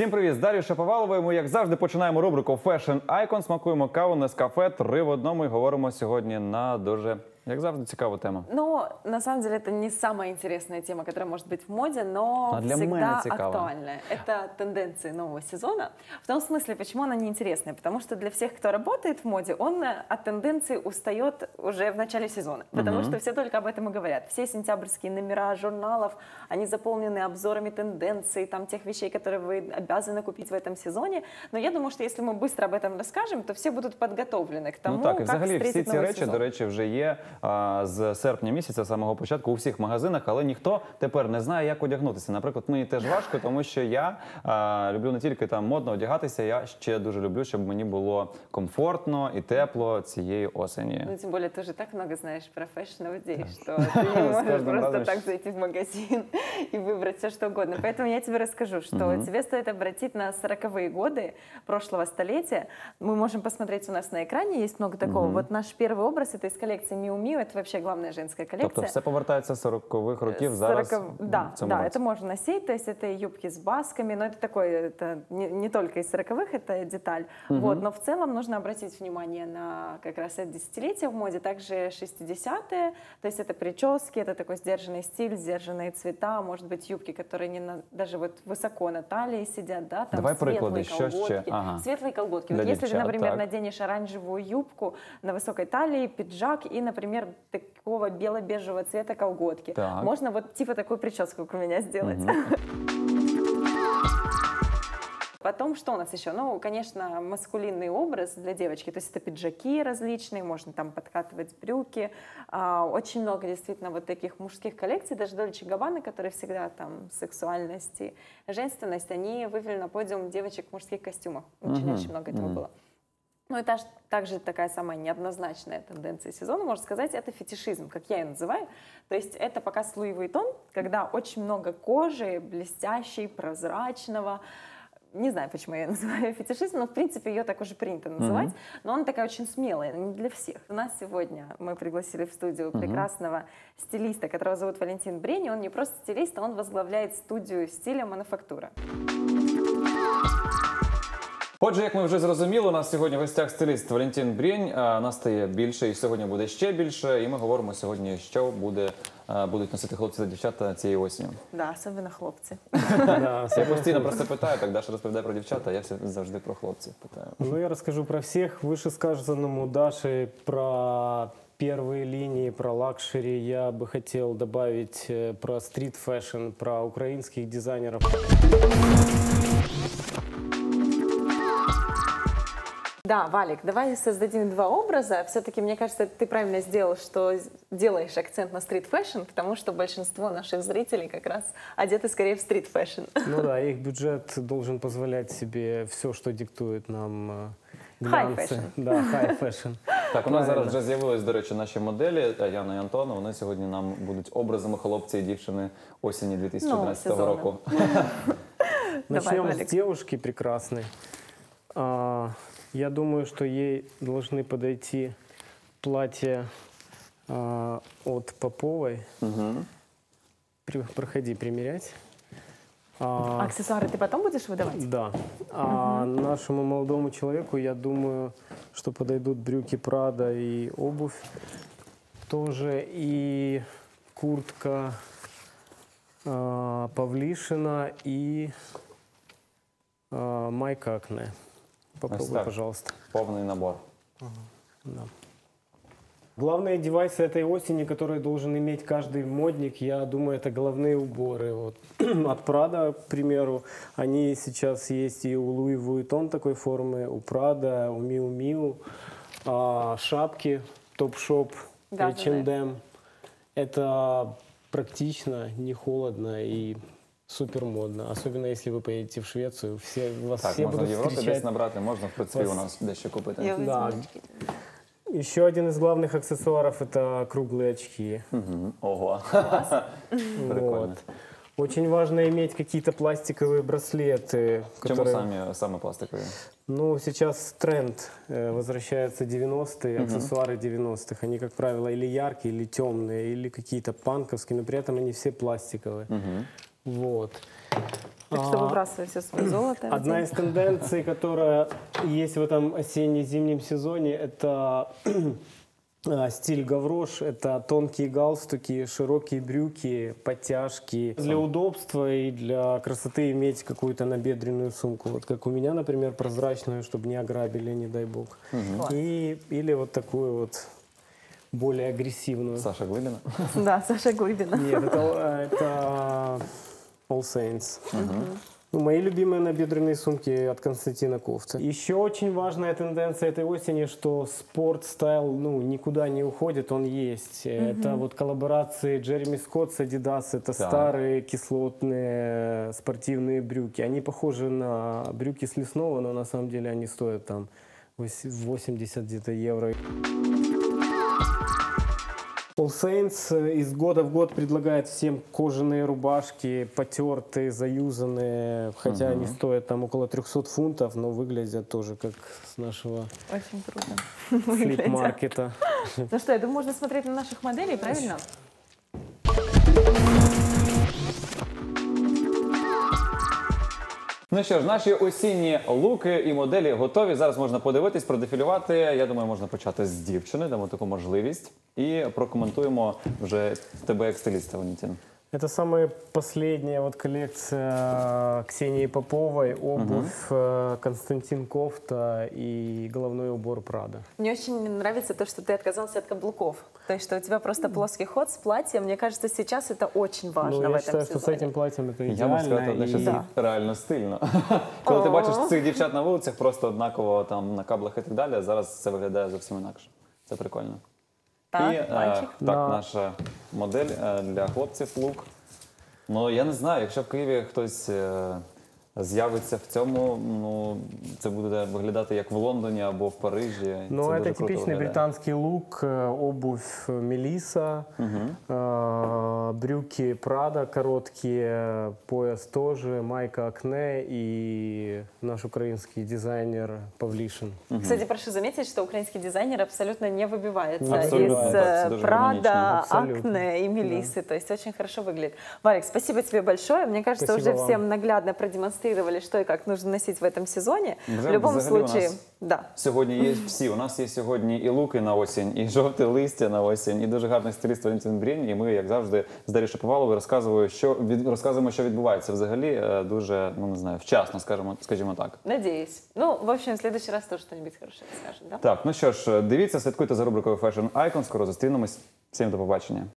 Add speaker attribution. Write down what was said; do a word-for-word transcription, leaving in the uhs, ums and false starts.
Speaker 1: Всім привіт! З Дар'єю Шаповаловою ми, як завжди, починаємо рубрику Fashion Icon. Смакуємо каву Нескафе, три в одному і говоримо сьогодні на дуже, як завжди, цікаву тему.
Speaker 2: Ну, на самом деле, это не самая интересная тема, которая может быть в моде, но
Speaker 1: а для
Speaker 2: всегда актуальная. Это тенденции нового сезона. В том смысле, почему она неинтересная? Потому что для всех, кто работает в моде, он от тенденций устает уже в начале сезона. Потому
Speaker 1: угу.
Speaker 2: что все только об этом и говорят. Все сентябрьские номера журналов, они заполнены обзорами тенденций, там, тех вещей, которые вы обязаны купить в этом сезоне. Но я думаю, что если мы быстро об этом расскажем, то все будут подготовлены к тому,
Speaker 1: ну, так,
Speaker 2: как
Speaker 1: взагалі,
Speaker 2: встретить
Speaker 1: всі ці
Speaker 2: новый
Speaker 1: речі,
Speaker 2: сезон.
Speaker 1: до речі, вже є а, з серпня місяця, з самого початку, у всіх магазинах, але ніхто тепер не знає, як одягнутися. Наприклад, мені теж важко, тому що я а, люблю не тільки там модно одягатися, я ще дуже люблю, щоб мені було комфортно і тепло цієї осені.
Speaker 2: Ну, тем более, ты же так много знаешь про фэшн людей, что ты не можешь просто так зайти в магазин и выбрать все, что угодно. Поэтому я тебе расскажу, что тебе стоит обратить на сороковые годы прошлого столетия. Мы можем посмотреть у нас на экране, есть много такого. Вот наш первый образ, это из коллекции Miu Miu, это вообще главная женская коллекция.
Speaker 1: Тобто все повертається з сорокових років зараз?
Speaker 2: Да, да, это можно носить, то есть это юбки с басками, но это такое, это не, не только из сороковых, это деталь. Uh-huh. Вот, но в целом нужно обратить внимание на как раз это десятилетие в моде, также шестидесятые, то есть это прически, это такой сдержанный стиль, сдержанные цвета, может быть юбки, которые не на, даже вот высоко на талии сидят, да, там
Speaker 1: Давай
Speaker 2: светлые
Speaker 1: приклади,
Speaker 2: колготки,
Speaker 1: ага.
Speaker 2: светлые колготки.
Speaker 1: Для
Speaker 2: Вот если
Speaker 1: девчат,
Speaker 2: ты, например,
Speaker 1: так.
Speaker 2: наденешь оранжевую юбку на высокой талии, пиджак и, например, такого бело-бежевого цвета колготки,
Speaker 1: так.
Speaker 2: можно вот типа такую прическу, как у меня, сделать.
Speaker 1: Угу.
Speaker 2: Потом, что у нас еще? Ну, конечно, маскулинный образ для девочки. То есть это пиджаки различные, можно там подкатывать брюки. А, очень много действительно вот таких мужских коллекций. Даже Dolce энд Gabbana, которые всегда там сексуальность и женственность, они вывели на подиум девочек в мужских костюмах. Очень, очень много этого было. Ну, это также такая самая неоднозначная тенденция сезона, можно сказать, это фетишизм, как я ее называю. То есть это показ Луи Vuitton, когда очень много кожи, блестящей, прозрачного. Не знаю, почему я ее называю фетишизм, но в принципе ее так уже принято называть. Mm-hmm. Но она такая очень смелая, не для всех. У нас сегодня мы пригласили в студию mm-hmm. прекрасного стилиста, которого зовут Валентин Брень. Он не просто стилист, а он возглавляет студию стиля «Мануфактура».
Speaker 1: Отже, як ми вже зрозуміли, у нас сьогодні в гостях стиліст Валентин Брень. Нас стає більше і сьогодні буде ще більше. І ми говоримо сьогодні, що буде, будуть носити хлопці та дівчата цієї осені.
Speaker 2: Да, особливо хлопці.
Speaker 1: Я постійно просто питаю, так Даша розповідає про дівчата, а я завжди про хлопців питаю.
Speaker 3: Ну, я расскажу про всех. Вышесказанному Даши про первые линии, про лакшери. Я бы хотел добавить про стрит-фэшн, про украинских дизайнеров.
Speaker 2: Да, Валик, давай создадим два образа. Все-таки, мне кажется, ты правильно сделал, что делаешь акцент на стрит-фэшн, потому что большинство наших зрителей как раз одеты скорее в стрит-фэшн.
Speaker 3: Ну да, их бюджет должен позволять себе все, что диктует нам глянцы. Да, хай-фэшн.
Speaker 1: Так, у нас зараз вже з'явились, до речі, наші моделі, Яна і Антон. Вони сьогодні нам будуть образами хлопця і дівчини осені дві тисячі одинадцятого року.
Speaker 3: Начнем с девушки прекрасной. Я думаю, что ей должны подойти платья э, от Поповой. Угу. При, проходи примерять.
Speaker 2: А, аксессуары ты потом будешь выдавать?
Speaker 3: Да. А угу. нашему молодому человеку, я думаю, что подойдут брюки Прада и обувь тоже. И куртка э, Павлишина и э, майка Акне. Попробуй, пожалуйста.
Speaker 1: Полный набор.
Speaker 3: Ага, да. Главные девайсы этой осени, которые должен иметь каждый модник, я думаю, это головные уборы. Вот. От Prada, к примеру, они сейчас есть и у Louis Vuitton такой формы, у Prada, у Miu Miu, а, шапки Topshop,
Speaker 2: да,
Speaker 3: эйч энд эм. Это практично, не холодно и супер модно, особенно если вы поедете в Швецию, все вас
Speaker 1: так,
Speaker 3: все
Speaker 1: можна
Speaker 3: будут
Speaker 1: в Європі
Speaker 3: встречать.
Speaker 1: десь набрати, можна в принципі
Speaker 3: вас...
Speaker 1: у нас дещо купити.
Speaker 3: Да. Еще один из главных аксессуаров это круглые очки.
Speaker 1: Угу. Ого. Прикольно.
Speaker 3: Вот. Очень важно иметь какие-то пластиковые браслеты.
Speaker 1: Почему
Speaker 3: которые...
Speaker 1: сами, сами пластиковые?
Speaker 3: Ну, сейчас тренд, э, возвращаются девяностые,
Speaker 1: угу.
Speaker 3: аксессуары девяностых. Они, как правило, или яркие, или темные, или какие-то панковские, но при этом они все пластиковые.
Speaker 1: Угу.
Speaker 3: Вот.
Speaker 2: Так что
Speaker 3: А,
Speaker 2: выбрасывай все свое золото.
Speaker 3: Одна
Speaker 2: Родин.
Speaker 3: из тенденций, которая есть в этом осенне-зимнем сезоне, это а, стиль гаврош. Это тонкие галстуки, широкие брюки, подтяжки. Для удобства и для красоты иметь какую-то набедренную сумку. Вот как у меня, например, прозрачную, чтобы не ограбили, не дай бог.
Speaker 2: Класс.
Speaker 3: И, или вот такую вот более агрессивную.
Speaker 1: Саша Глибіна.
Speaker 2: Да, Саша Глыбина.
Speaker 3: Нет, это, это All Saints. Ну, мои любимые набедренные сумки от Константина Ковца. Еще очень важная тенденция этой осени, что спорт-стайл ну, никуда не уходит, он есть. Это вот коллаборации Джереми Скотт с Adidas, это
Speaker 1: Да.
Speaker 3: старые кислотные спортивные брюки. Они похожи на брюки с лесного, но на самом деле они стоят там восемьдесят где-то евро. All Saints из года в год предлагает всем кожаные рубашки, потертые, заюзанные, хотя они стоят там около трехсот фунтов, но выглядят тоже как с нашего
Speaker 2: Очень круто. Выглядят.
Speaker 3: флип-маркета.
Speaker 2: Ну что, я думаю, можно смотреть на наших моделей, правильно?
Speaker 1: Ну що ж, наші осінні луки і моделі готові. Зараз можна подивитись, продефілювати. Я думаю, можна почати з дівчини, дамо таку можливість. І прокоментуємо вже тебе як стиліста, Валентин.
Speaker 3: Это самая последняя вот коллекция Ксении Поповой, обувь э, Константин Кофта и головной убор Прада.
Speaker 2: Мне очень нравится то, что ты отказался от каблуков. То есть, что у тебя просто плоский ход с платьем. Мне кажется, сейчас это очень важно
Speaker 3: Ну,
Speaker 2: в
Speaker 3: я
Speaker 2: этом
Speaker 3: считаю, что с
Speaker 2: сезоне.
Speaker 3: этим платьем это
Speaker 1: Я можу сказати,
Speaker 3: идеально.
Speaker 1: одне, що
Speaker 3: и-
Speaker 1: це реально стильно. Коли ти бачиш цих дівчат на вулицях, просто однаково там на каблах і так далі, зараз це виглядає зовсім інакше. Це прикольно.
Speaker 2: Так,
Speaker 1: і е,
Speaker 2: мальчик.
Speaker 1: так,
Speaker 3: Да.
Speaker 1: наша модель е, для хлопців лук. Ну, я не знаю, якщо в Києві хтось е, з'явиться в цьому, ну, це буде виглядати як в Лондоні або в Парижі.
Speaker 3: Ну,
Speaker 1: Це
Speaker 3: это
Speaker 1: дуже круто
Speaker 3: типичный
Speaker 1: виглядає.
Speaker 3: британский лук, э, обувь Мелиса, э, брюки Прада короткие, пояс тоже, майка Акне и наш украинский дизайнер Павлишин.
Speaker 2: Кстати, прошу заметить, что украинский дизайнер абсолютно не выбивается
Speaker 1: Абсолютно,
Speaker 2: из
Speaker 1: да,
Speaker 2: э,
Speaker 1: это даже
Speaker 2: Прада,
Speaker 3: гармонично. Абсолютно.
Speaker 2: Акне и Мелиссы. То есть очень хорошо выглядит. Валик, спасибо тебе большое. Мне кажется,
Speaker 3: Спасибо
Speaker 2: уже
Speaker 3: вам.
Speaker 2: всем наглядно продемонстрировали, что и как нужно носить в этом сезоне.
Speaker 1: Вже
Speaker 2: В любом
Speaker 1: взагалі у
Speaker 2: случае,
Speaker 1: нас
Speaker 2: да.
Speaker 1: Сьогодні є всі. У нас є сьогодні і луки на осінь, і жовте листя на осінь, і дуже гарний стиліст Валентин Брінь. І ми, як завжди, з Дар'єю Шаповаловою розказуємо, що від розказуємо, що відбувається взагалі е, дуже, ну не знаю, вчасно, скажімо, скажімо так.
Speaker 2: Надеюсь. Ну, в общем, в следующий раз тоже что-нибудь хорошее расскажем, да?
Speaker 1: Так, ну що ж, дивіться, слідкуйте за рубрикою Fashion Icon. Скоро зустрінемось. Всім до побачення.